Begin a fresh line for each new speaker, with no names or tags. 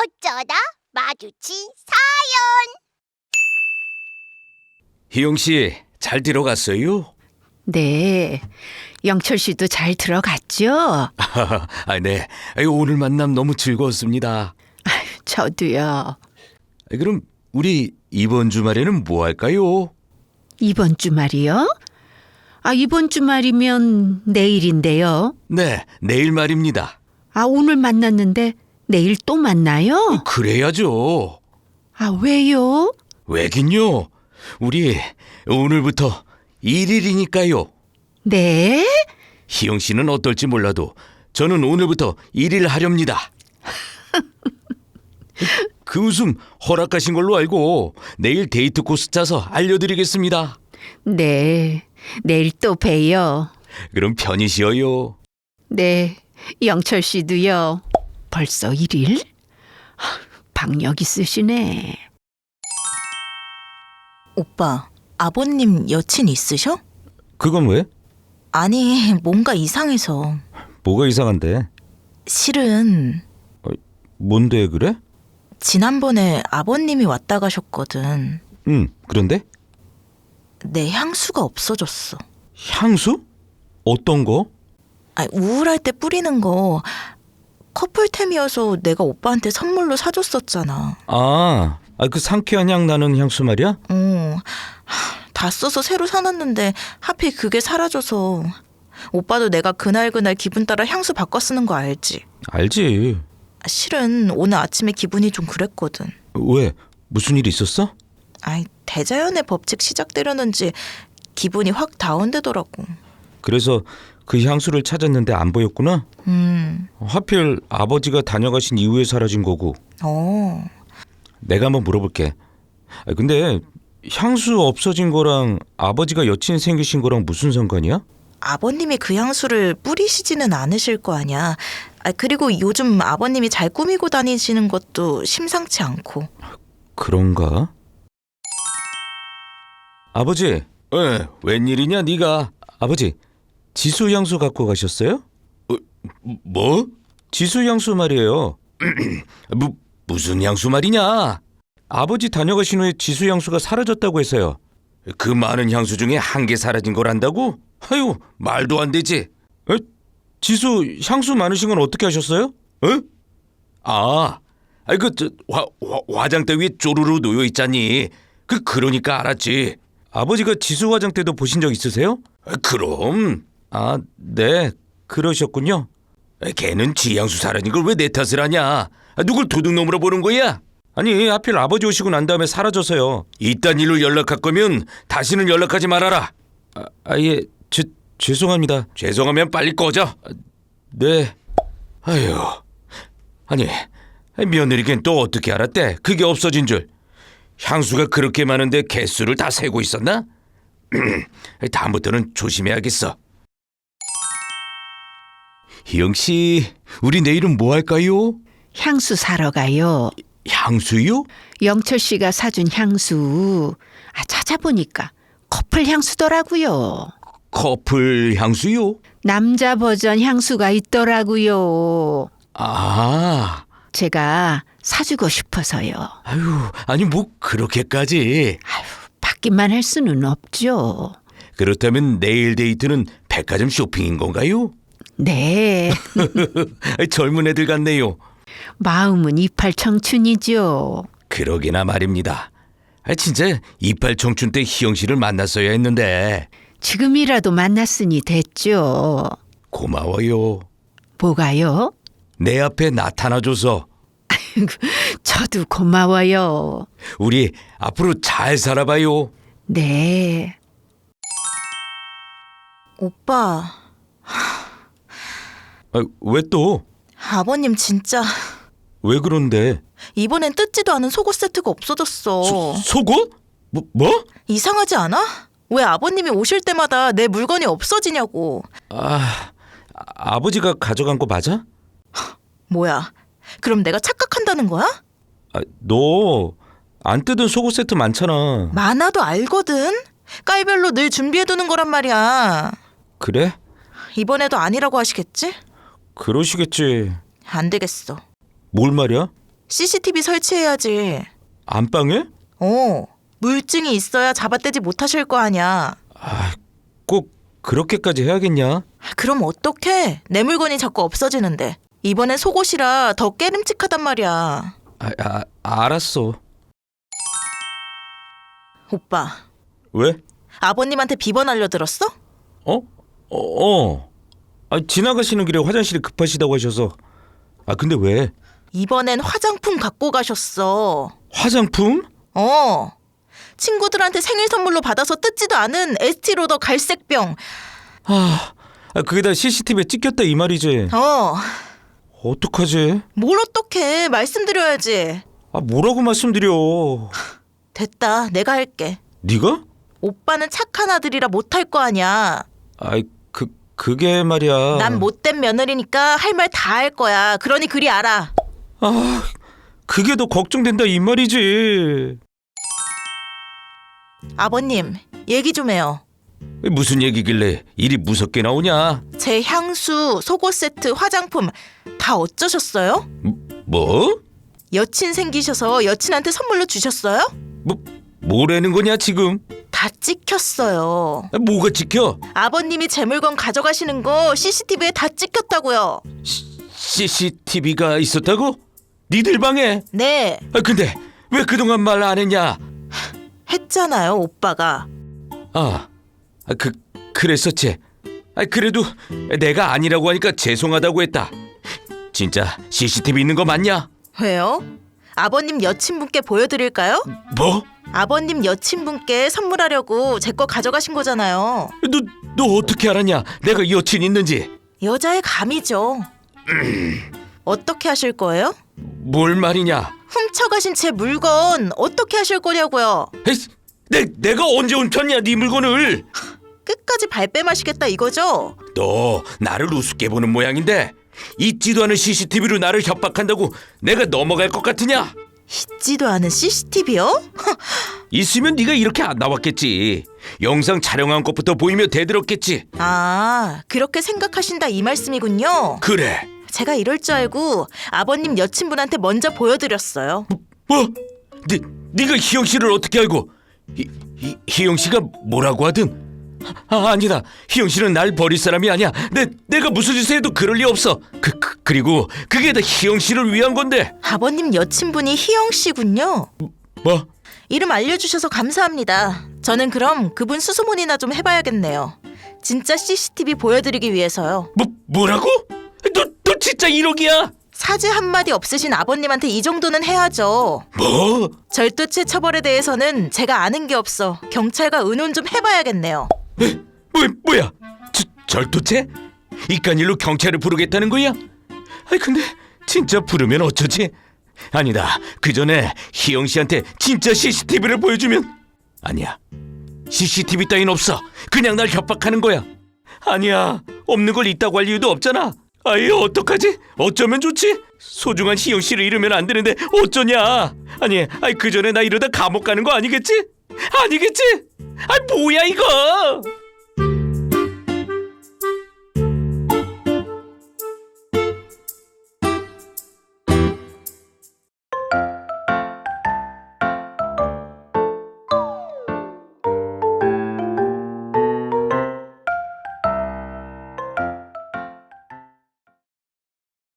어쩌다 마주친
희영 씨, 잘 들어갔어요?
네, 영철 씨도 잘 들어갔죠?
네. 오늘 만남 너무 즐거웠습니다.
저도요.
그럼 우리 이번 주말에는 뭐 할까요?
이번 주말이요? 이번 주말이면 내일인데요.
네, 내일 말입니다.
오늘 만났는데 내일 또 만나요?
그래야죠.
왜요?
왜긴요? 우리 오늘부터 1일이니까요.
네?
희영 씨는 어떨지 몰라도 저는 오늘부터 1일 하렵니다. 그 웃음 허락하신 걸로 알고 내일 데이트 코스 짜서 알려드리겠습니다.
네, 내일 또 봬요.
그럼 편히 쉬어요.
네, 영철 씨도요. 벌써 1일? 박력 있으시네.
오빠, 아버님 여친 있으셔?
그건 왜?
아니, 뭔가 이상해서.
뭐가 이상한데?
실은
뭔데 그래?
지난번에 아버님이 왔다 가셨거든.
그런데?
내 향수가 없어졌어.
향수? 어떤 거?
우울할 때 뿌리는 거 커플템이어서 내가 오빠한테 선물로 사줬었잖아.
그 상쾌한 향 나는 향수 말이야?
다 써서 새로 사놨는데 하필 그게 사라져서. 오빠도 내가 그날그날 기분 따라 향수 바꿔 쓰는 거 알지?
알지.
실은 오늘 아침에 기분이 좀 그랬거든.
왜? 무슨 일 있었어?
대자연의 법칙 시작되려는지 기분이 확 다운되더라고.
그래서 그 향수를 찾았는데 안 보였구나? 하필 아버지가 다녀가신 이후에 사라진 거고. 내가 한번 물어볼게. 근데 향수 없어진 거랑 아버지가 여친 생기신 거랑 무슨 상관이야?
아버님이 그 향수를 뿌리시지는 않으실 거 아니야. 그리고 요즘 아버님이 잘 꾸미고 다니시는 것도 심상치 않고.
그런가? 아버지, 웬일이냐 네가? 아버지, 지수 향수 갖고 가셨어요? 뭐? 지수 향수 말이에요. 무슨 향수 말이냐? 아버지 다녀가신 후에 지수 향수가 사라졌다고 해서요. 그 많은 향수 중에 한 개 사라진 거란다고? 아유, 말도 안 되지. 지수 향수 많으신 건 어떻게 하셨어요? 화장대 위에 쪼르르 놓여 있잖니. 그러니까 알았지. 아버지가 지수 화장대도 보신 적 있으세요? 그럼. 네, 그러셨군요. 걔는 지 향수 사라진 걸 왜 내 탓을 하냐? 누굴 도둑놈으로 보는 거야? 아니, 하필 아버지 오시고 난 다음에 사라져서요. 이딴 일로 연락할 거면 다시는 연락하지 말아라. 예, 죄송합니다. 죄송하면 빨리 꺼져. 네. 아유, 아니, 며느리겐 또 어떻게 알았대? 그게 없어진 줄. 향수가 그렇게 많은데 개수를 다 세고 있었나? 다음부터는 조심해야겠어. 희영 씨, 우리 내일은 뭐 할까요?
향수 사러 가요.
향수요?
영철 씨가 사준 향수. 찾아보니까 커플 향수더라고요.
커플 향수요?
남자 버전 향수가 있더라고요. 제가 사주고 싶어서요.
아니 뭐 그렇게까지.
받기만 할 수는 없죠.
그렇다면 내일 데이트는 백화점 쇼핑인 건가요?
네.
젊은 애들 같네요.
마음은 이팔 청춘이죠.
그러게나 말입니다. 진짜 이팔 청춘 때 희영 씨를 만났어야 했는데.
지금이라도 만났으니 됐죠.
고마워요.
뭐가요?
내 앞에 나타나줘서.
저도 고마워요.
우리 앞으로 잘 살아봐요.
네.
오빠,
왜 또?
아버님 진짜
왜 그런데?
이번엔 뜯지도 않은 속옷 세트가 없어졌어.
속옷? 뭐?
이상하지 않아? 왜 아버님이 오실 때마다 내 물건이 없어지냐고.
아버지가 가져간 거 맞아?
뭐야? 그럼 내가 착각한다는 거야?
너 안 뜯은 속옷 세트 많잖아.
많아도 알거든. 깔별로 늘 준비해두는 거란 말이야.
그래?
이번에도 아니라고 하시겠지?
그러시겠지.
안 되겠어.
뭘 말이야?
CCTV 설치해야지.
안방에?
물증이 있어야 잡아떼지 못하실 거 아니야.
꼭 그렇게까지 해야겠냐?
그럼 어떡해? 내 물건이 자꾸 없어지는데. 이번엔 속옷이라 더 깨름칙하단 말이야.
알았어.
오빠,
왜?
아버님한테 비번 알려들었어?
지나가시는 길에 화장실이 급하시다고 하셔서. 근데 왜?
이번엔 화장품 갖고 가셨어.
화장품?
친구들한테 생일 선물로 받아서 뜯지도 않은 에스티로더 갈색병.
그게 다 CCTV에 찍혔다 이 말이지. 어떡하지?
뭘 어떡해. 말씀드려야지.
뭐라고 말씀드려.
됐다. 내가 할게.
네가?
오빠는 착한 아들이라 못할 거 아니야.
그게 말이야.
난 못된 며느리니까 할 말 다 할 거야. 그러니 그리 알아.
그게 더 걱정된다 이 말이지.
아버님, 얘기 좀 해요.
무슨 얘기길래 일이 무섭게 나오냐?
제 향수, 속옷 세트, 화장품 다 어쩌셨어요?
뭐?
여친 생기셔서 여친한테 선물로 주셨어요?
뭐라는 거냐 지금?
다 찍혔어요.
뭐가 찍혀?
아버님이 제 물건 가져가시는 거 CCTV에 다 찍혔다고요.
CCTV가 있었다고? 니들 방에?
네,
근데 왜 그동안 말 안 했냐?
했잖아요, 오빠가.
그랬었지. 그래도 내가 아니라고 하니까 죄송하다고 했다. 진짜 CCTV 있는 거 맞냐?
왜요? 아버님 여친분께 보여드릴까요?
뭐?
아버님 여친분께 선물하려고 제 거 가져가신 거잖아요.
너 어떻게 알았냐? 내가 여친 있는지.
여자의 감이죠. 어떻게 하실 거예요?
뭘 말이냐?
훔쳐가신 제 물건 어떻게 하실 거냐고요?
내가 언제 훔쳤냐 네 물건을?
끝까지 발뺌하시겠다 이거죠?
너 나를 우습게 보는 모양인데 있지도 않은 CCTV로 나를 협박한다고 내가 넘어갈 것 같으냐?
있지도 않은 CCTV요?
있으면 네가 이렇게 안 나왔겠지. 영상 촬영한 것부터 보이며 대들었겠지.
그렇게 생각하신다 이 말씀이군요.
그래.
제가 이럴 줄 알고 아버님 여친분한테 먼저 보여드렸어요.
뭐? 네가 희영 씨를 어떻게 알고? 희영 씨가 뭐라고 하든? 아니다. 희영 씨는 날 버릴 사람이 아니야. 내가 무슨 짓을 해도 그럴 리 없어. 그리고 그게 다 희영 씨를 위한 건데.
아버님 여친분이 희영 씨군요.
뭐?
이름 알려주셔서 감사합니다. 저는 그럼 그분 수소문이나 좀 해봐야겠네요. 진짜 CCTV 보여드리기 위해서요.
뭐라고? 너 진짜 1억이야?
사죄 한마디 없으신 아버님한테 이 정도는 해야죠.
뭐?
절도죄 처벌에 대해서는 제가 아는 게 없어 경찰과 의논 좀 해봐야겠네요.
뭐야? 절도죄? 이깟 일로 경찰을 부르겠다는 거야? 근데 진짜 부르면 어쩌지? 아니다. 그 전에 희영 씨한테 진짜 CCTV를 보여주면. 아니야. CCTV 따윈 없어. 그냥 날 협박하는 거야. 아니야. 없는 걸 있다고 할 이유도 없잖아. 어떡하지? 어쩌면 좋지? 소중한 희영 씨를 잃으면 안 되는데 어쩌냐? 그 전에 나 이러다 감옥 가는 거 아니겠지? 뭐야 이거?